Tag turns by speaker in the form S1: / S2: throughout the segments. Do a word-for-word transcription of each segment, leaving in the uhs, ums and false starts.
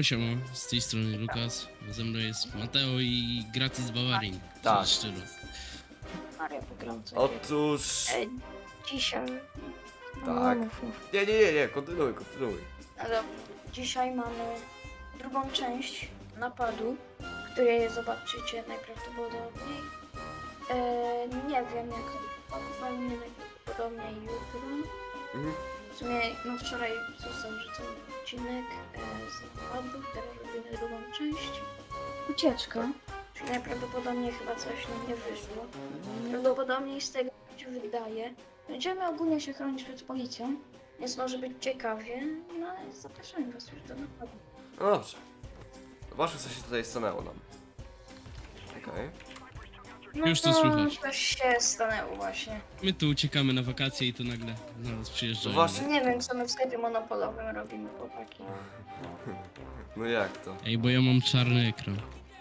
S1: siema, z tej strony Lukas, ze mną jest Mateo i Gratis z Bawarii.
S2: Tak.
S1: Szczerze.
S3: Maria pogrąca.
S2: Otóż...
S3: E, dzisiaj... No,
S2: Tak.
S3: mów, mów.
S2: Nie, nie, nie, nie, kontynuuj, kontynuuj.
S3: No dobrze. Dzisiaj mamy drugą część napadu, której zobaczycie najprawdopodobniej. E, nie wiem jak fajnie najprawdopodobniej jutro.
S2: Mhm.
S3: W sumie no wczoraj został wrzucony odcinek e, z napadu, teraz robimy drugą część. Ucieczka. Czyli najprawdopodobniej chyba coś nam nie wyszło. Prawdopodobnie z tego co się wydaje. Będziemy ogólnie się chronić przed policją, więc może być ciekawie, no ale zapraszamy was już do napadu.
S2: No dobrze. Zobaczmy, co się tutaj stanęło nam. Okej.
S3: No
S1: Już to słychać.
S3: Coś się stanęło właśnie.
S1: My tu uciekamy na wakacje i to nagle na nas przyjeżdżają.
S2: No właśnie.
S3: Nie wiem co my w sklepie monopolowym robimy, chłopaki.
S2: No jak to?
S1: Ej, bo ja mam czarny ekran.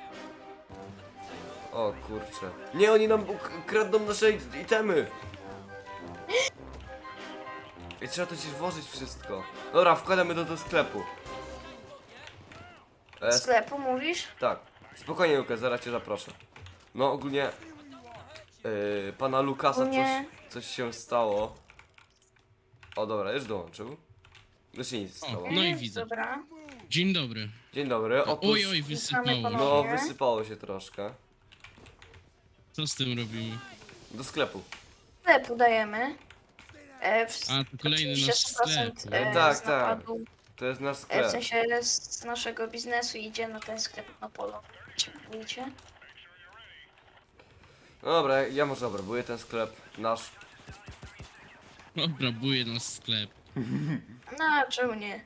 S2: O kurczę. Nie, oni nam uk- kradną nasze it- itemy. I trzeba to gdzieś włożyć wszystko. Dobra, wkładamy to do sklepu. E, sp-
S3: Sklepu mówisz?
S2: tak. Spokojnie, Lukas, zaraz cię zaproszę. No ogólnie... Yy, pana Lukasa
S3: Ogólnie-
S2: coś, coś się stało. O dobra, już dołączył. No się nic
S1: O,
S2: stało.
S1: no i
S3: Mm,
S1: widzę.
S3: Dobra.
S1: Dzień dobry.
S2: Dzień dobry, otóż...
S1: Oj, oj, wysypało
S3: Witamy
S1: się.
S2: No,
S3: Nie?
S2: wysypało się troszkę.
S1: Co z tym robimy?
S2: Do sklepu.
S3: Sklepu dajemy. E, w,
S1: A, to kolejny
S3: oczywiście
S1: nasz
S3: sto procent,
S1: sklep.
S3: e,
S2: No tak,
S3: z
S2: tak.
S3: napadu.
S2: To jest nasz
S3: E, w
S2: sklep.
S3: sensie z naszego biznesu idzie na ten sklep monopolowy. Czy mówicie?
S2: No dobra, ja może obrabuję ten sklep nasz.
S1: Obrabuje nas sklep.
S3: No, czemu nie?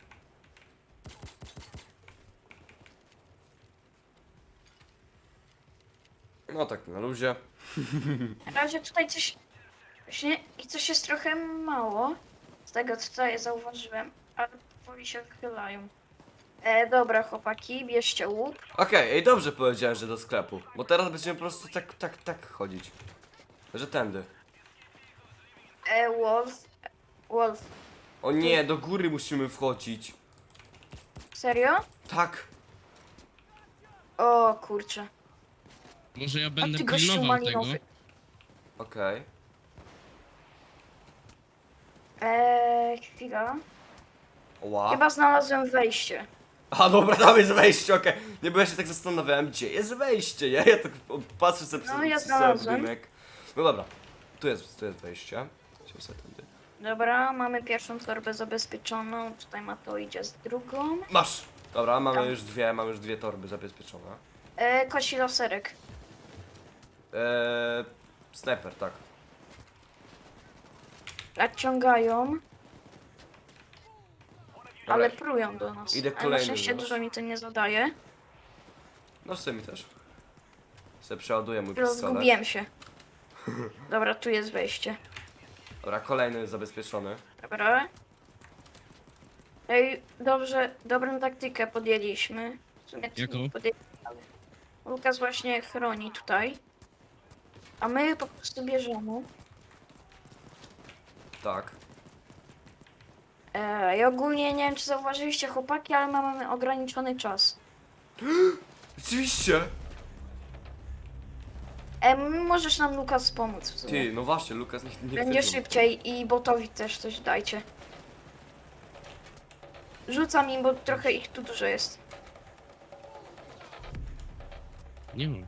S2: No tak, na luzie.
S3: Na razie tutaj coś... Właśnie, i coś jest trochę mało. Z tego co tutaj zauważyłem. Ale powoli się wychylają. E, dobra chłopaki, bierzcie łuk.
S2: Okej, ej, dobrze powiedziałem, że do sklepu. Bo teraz będziemy po prostu tak, tak, tak chodzić. Że tędy.
S3: E, Wolf. Wolf.
S2: O nie, do góry musimy wchodzić.
S3: Serio?
S2: Tak.
S3: O kurczę.
S1: Może ja
S3: A
S1: będę
S3: ty gościu
S1: pilnował tego.
S3: malinowy.
S2: Okej.
S3: Eee, chwila.
S2: Ła.
S3: Chyba znalazłem wejście.
S2: A dobra, tam jest wejście, okej. Nie, bo ja się tak zastanawiałem, gdzie jest wejście, nie? Ja tak o, patrzę sobie
S3: No,
S2: przed
S3: ja
S2: przed cały
S3: znalazłem.
S2: budynek. No dobra. Tu jest, tu jest wejście. Idziemy sobie tędy.
S3: Dobra, mamy pierwszą torbę zabezpieczoną. Tutaj Mateo idzie z drugą.
S2: Masz! Dobra, mamy
S3: Tam.
S2: już dwie, mamy już dwie torby zabezpieczone.
S3: Eee, koci loserek.
S2: Eee, snajper, tak.
S3: Nadciągają.
S2: Dobra.
S3: Ale prują do nas.
S2: Idę
S3: Ale na
S2: kolejny
S3: szczęście
S2: już.
S3: dużo mi to nie zadaje.
S2: No w sumie też. Se przeładuję mój
S3: Chwilę,
S2: pistolet.
S3: zgubiłem się. Dobra, tu jest wejście.
S2: Dobra, kolejny zabezpieczony.
S3: Dobra. Ej, dobrze, dobrą taktykę podjęliśmy. W sumie to
S1: Jaką?
S3: nie podjęliśmy, ale Lukas właśnie chroni tutaj. A my po prostu bierzemy.
S2: Tak.
S3: E, I ogólnie nie wiem czy zauważyliście chłopaki, ale mamy ograniczony czas.
S2: Oczywiście!
S3: E, możesz nam Lukas pomóc w sumie.
S2: Ty, no właśnie, Lukas nie, nie
S3: Będzie
S2: chwycił.
S3: szybciej i botowi też coś dajcie. Rzucam im, bo trochę ich tu dużo jest.
S1: Nie mam.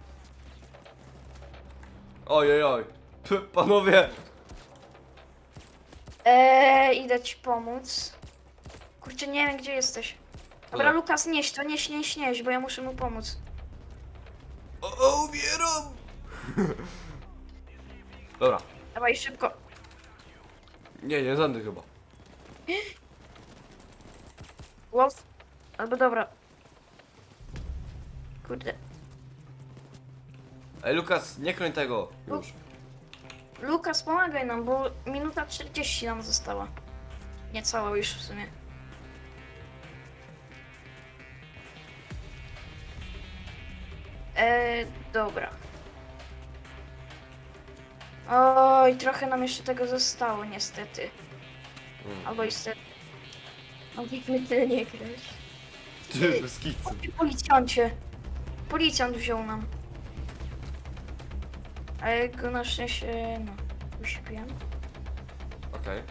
S2: Oj, oj, oj. P panowie!
S3: Eee, idę ci pomóc. Kurczę, nie wiem gdzie jesteś. Dobra,
S2: Dobra.
S3: Lukas, nieś to, nieś, nieś, nieś, bo ja muszę mu pomóc.
S2: O, o umieram! Dobra.
S3: Dawaj szybko.
S2: Nie, nie żadny chyba.
S3: Wolf. Albo dobra. Kurde.
S2: Ej, Lukas, nie kroń tego. Już.
S3: Lukas, pomagaj nam, bo minuta czterdzieści nam została. Niecała już w sumie. Eee, dobra. Oj, trochę nam jeszcze tego zostało, niestety.
S2: Mm.
S3: Albo niestety. Mogliśmy tyle nie grać.
S2: Ty, bez kicu.
S3: Policjancie. Policjant wziął nam. Ale go na szczęście, no, uśpiłem.
S2: Okej.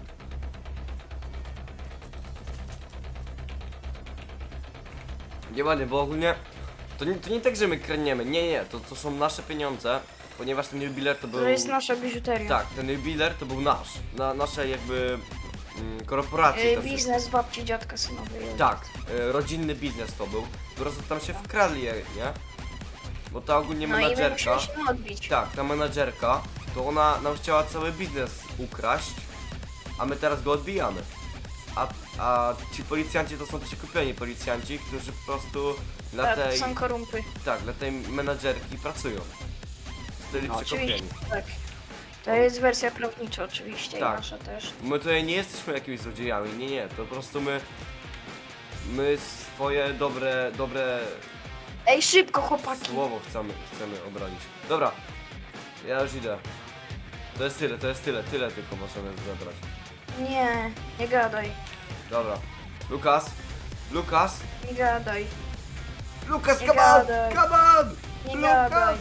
S2: Nie ładnie, bo ogólnie to nie, to nie tak, że my kradniemy, nie, nie, to, to są nasze pieniądze, ponieważ ten jubiler to był...
S3: To jest nasza biżuteria.
S2: Tak, ten jubiler to był nasz, na naszej jakby mm, korporacji.
S3: E,
S2: to wszystko.
S3: biznes babci, dziadka, synowej.
S2: Tak, e, rodzinny biznes to był, po prostu tam się wkradli, nie? Bo ta ogólnie
S3: No i my
S2: menadżerka...
S3: musieliśmy odbić.
S2: Tak, ta menadżerka, to ona nam chciała cały biznes ukraść, a my teraz go odbijamy. A, a ci policjanci to są przekupieni policjanci, którzy po prostu dla
S3: Tak, to
S2: tej,
S3: są korumpy.
S2: tak, dla tej menadżerki pracują. Zostali
S3: No,
S2: przekupieni.
S3: oczywiście, tak. To jest wersja prawnicza oczywiście
S2: Tak.
S3: i nasza też.
S2: My tutaj nie jesteśmy jakimiś złodziejami, nie, nie, to po prostu my, my swoje dobre, dobre
S3: Ej, szybko chłopaki!
S2: słowo chcemy, chcemy obronić. Dobra, ja już idę. To jest tyle, to jest tyle, tyle tylko możemy zabrać.
S3: Nie, nie gadaj,
S2: Dobra. Lukas! Lukas!
S3: nie gadaj,
S2: Lukas,
S3: Nie
S2: come on!
S3: gadaj.
S2: Come on!
S3: nie
S2: Lukas!
S3: gadaj.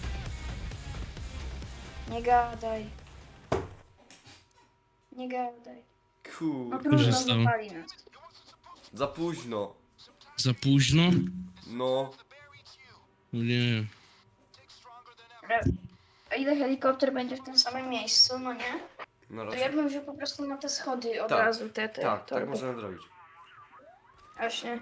S3: Nie gadaj. Nie gadaj. No
S2: Kur...
S3: trudno,
S1: Korzystał.
S3: zapali nas.
S2: Za późno.
S1: Za późno?
S2: No.
S1: O nie.
S3: Ale a ile helikopter będzie w tym samym miejscu, no nie?
S2: No
S3: To
S2: raczej.
S3: ja bym wziął po prostu na te schody od
S2: Tak,
S3: razu, te, te.
S2: Tak,
S3: to
S2: tak
S3: by-
S2: możemy zrobić.
S3: Właśnie.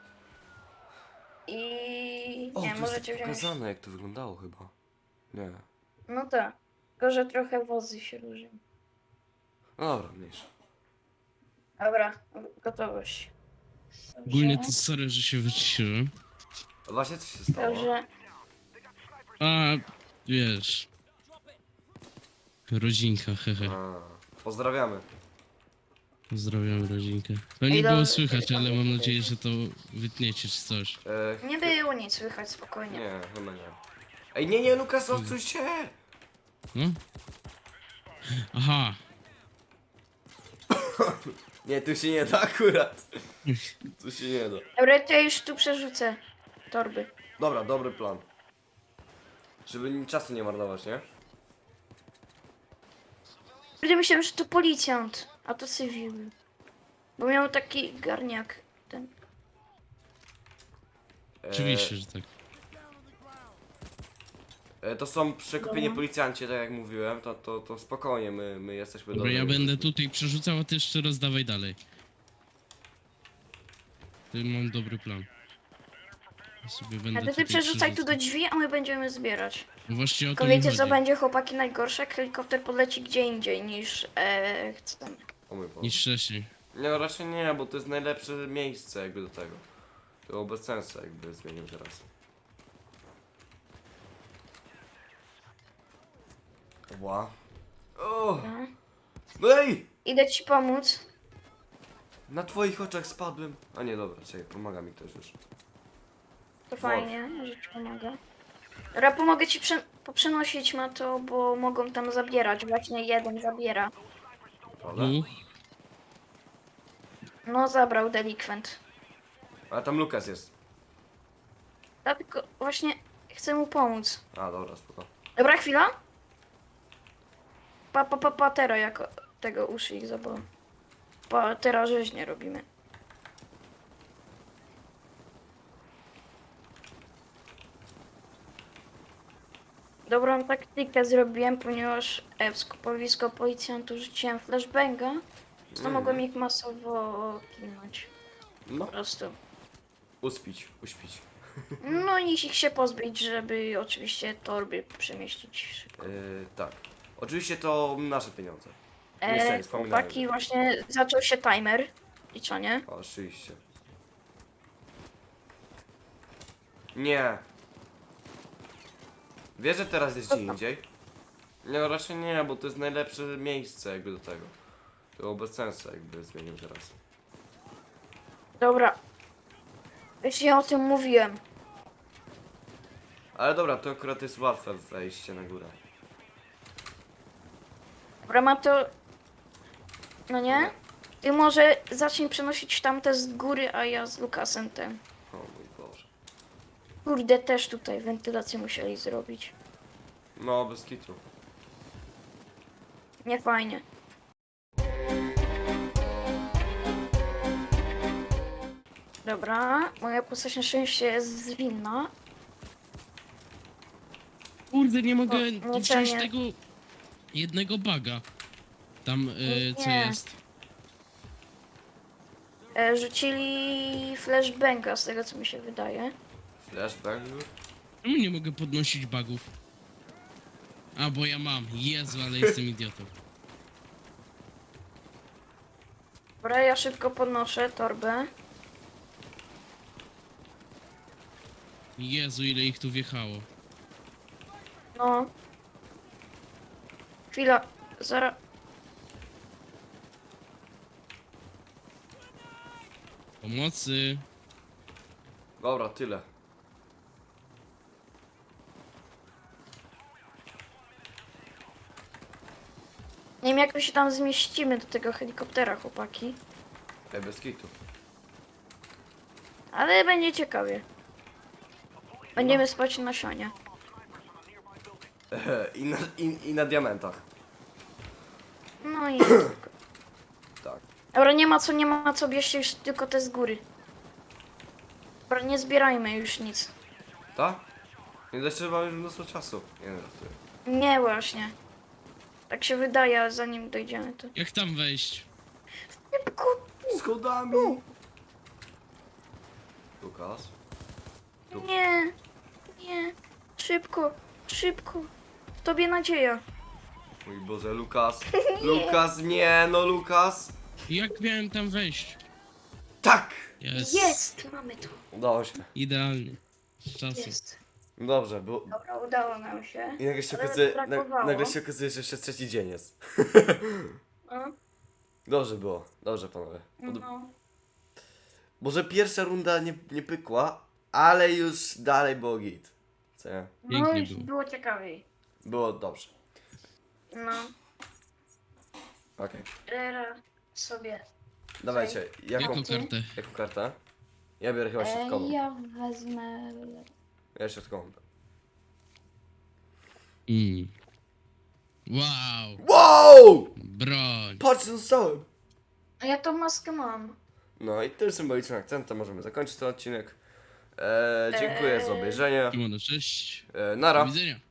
S3: I...
S2: O,
S3: nie,
S2: to
S3: możecie
S2: jest
S3: wziąć...
S2: pokazane jak to wyglądało chyba. Nie.
S3: No tak. Tylko, że trochę wozy się różnią.
S2: No dobra, mniejsza.
S3: Dobra, gotowość.
S1: Ogólnie to sorry, że się wyciszyłem.
S2: A właśnie co się stało?
S3: Dobrze.
S1: A, wiesz. Rodzinka, hehe.
S2: A, pozdrawiamy.
S1: Pozdrawiam rodzinkę. To nie
S3: Ej,
S1: było
S3: dobra.
S1: słychać, ale mam nadzieję, że to wytniecie czy coś.
S2: E,
S3: Nie było nic słychać, spokojnie.
S2: nie, chyba nie. Ej, nie, nie, Lukas, odsuń się!
S1: No? Aha.
S2: Nie, tu się nie da akurat. Tu się nie da.
S3: Dobra, to ja już tu przerzucę torby.
S2: Dobra, dobry plan. Żeby ni- czasu nie marnować, nie?
S3: Ludzie myślałem, że to policjant, a to cywil. Bo miał taki garniak. Ten.
S2: E,
S1: Oczywiście, że tak.
S2: E, to są przekupieni
S3: Dobra.
S2: policjanci, tak jak mówiłem, to, to, to spokojnie, my, my jesteśmy
S1: Dobra, ja
S2: dobrymi
S1: będę
S2: ludźmi.
S1: tutaj przerzucał, a ty jeszcze rozdawaj dalej. To mam dobry plan. Ja sobie będę
S3: A to ty
S1: tutaj
S3: przerzucaj tu do
S1: przerzucał.
S3: drzwi, a my będziemy zbierać.
S1: No właśnie o to
S3: Tylko
S1: mi
S3: wiecie co
S1: chodzi.
S3: będzie, chłopaki, najgorsze? Jak helikopter podleci gdzie indziej niż e, chcemy.
S2: O mój Boże.
S1: Niż wcześniej.
S2: Nie, no raczej nie, bo to jest najlepsze miejsce jakby do tego. To było bez sensu jakby zmienił teraz. Ła. O!
S3: No.
S2: No ej!
S3: Idę ci pomóc.
S2: Na twoich oczach spadłem. A nie, dobra, czekaj, pomaga mi ktoś już.
S3: To fajnie, że ci pomogę. Dobra, pomogę ci prze poprzenosić ma to, bo mogą tam zabierać. Właśnie jeden zabiera.
S2: Prawda?
S1: U,
S3: No, zabrał delikwent.
S2: A tam Lukas jest.
S3: Dlatego właśnie chcę mu pomóc.
S2: A, dobra, spoko.
S3: Dobra, chwila. Pa, pa, pa, patera jako tego uszy ich zabolą. Patera rzeźnie robimy. Dobrą taktykę zrobiłem, ponieważ e, w skupowisko policjantów rzuciłem flashbanga, to
S2: Mm.
S3: mogłem ich masowo kilnąć.
S2: No,
S3: Po prostu.
S2: uspić, uśpić.
S3: No i ich się pozbyć, żeby oczywiście torby przemieścić szybko.
S2: Yy, tak. Oczywiście to nasze pieniądze. Nie
S3: E,
S2: chcę, nie wspominałem.
S3: chłopaki, właśnie zaczął się timer. Liczenie.
S2: Oczywiście. Nie. Wiesz, że teraz jest gdzie indziej? Nie, no raczej nie, bo to jest najlepsze miejsce jakby do tego. To było bez sensu jakby zmienił teraz.
S3: Dobra. Wiesz, ja o tym mówiłem.
S2: Ale dobra, to akurat jest łatwe wejście na górę.
S3: Dobra, ma to... No nie? Ty może zacznij przenosić tamte z góry, a ja z Lukasem ten.
S2: O,
S3: Kurde, też tutaj wentylację musieli zrobić.
S2: No, bez kitu.
S3: Nie fajnie. Dobra, moja postać na szczęście jest zwinna.
S1: Kurde, nie mogę
S3: O, nie
S1: wziąć
S3: cenię.
S1: tego jednego baga. Tam, y, co
S3: Nie.
S1: jest.
S3: E, rzucili flashbanga, z tego co mi się wydaje.
S2: Flashbang?
S1: Czemu nie mogę podnosić bugów? A, bo ja mam. Jezu, ale jestem idiotą.
S3: Dobra, ja szybko podnoszę torbę.
S1: Jezu, ile ich tu wjechało.
S3: No. Chwila, zaraz.
S1: Pomocy.
S2: Dobra, tyle.
S3: Nie wiem jak my się tam zmieścimy do tego helikoptera, chłopaki.
S2: Ej, bez kitu.
S3: Ale będzie ciekawie. Będziemy spać na sionie.
S2: I na, i, I na diamentach.
S3: No i...
S2: Tak.
S3: Dobra, nie ma co, nie ma co, bierzcie już tylko te z góry. Dobra, nie zbierajmy już nic.
S2: Tak? Nie da się, że mamy już mnóstwo czasu. Nie wiem, żartuję.
S3: Nie właśnie. Tak się wydaje, ale zanim dojdziemy to...
S1: Jak tam wejść?
S3: Szybko!
S2: Schodami! Lukas?
S3: Nie! Nie! Szybko! Szybko! W tobie nadzieja.
S2: Mój Boże, Lukas. Lukas, nie, no Lukas.
S1: Jak miałem tam wejść?
S2: Tak!
S1: Jest.
S3: Jest! Mamy to.
S2: Udało się.
S1: Idealnie. Z czasu.
S3: Jest.
S2: Dobrze, bo...
S3: Dobra, udało nam się.
S2: I nagle się
S3: Ale
S2: okazuje,
S3: brakowało.
S2: na, nagle się okazuje, że jeszcze trzeci dzień jest.
S3: No.
S2: Dobrze było, dobrze panowie. Pod...
S3: No.
S2: Może pierwsza runda nie, nie pykła, ale już dalej było git. Co nie?
S3: No
S1: Pięknie
S3: już
S1: było.
S3: było ciekawiej.
S2: Było dobrze.
S3: No.
S2: Okej.
S3: Rera sobie.
S2: Dawajcie, jaką,
S1: Jaką kartę?
S2: jaką kartę? Ja biorę chyba środkową.
S3: E, ja wezmę...
S2: Ja środkową.
S1: Mm. Wow.
S2: Wow!
S1: Broń.
S2: Patrz co dostałem!
S3: A ja tą maskę mam.
S2: No i tym symbolicznym akcentem możemy zakończyć ten odcinek. Eee, dziękuję za
S3: Eee.
S2: obejrzenie.
S1: Kimono, cześć.
S2: Eee,
S1: Do
S2: nara.
S1: widzenia.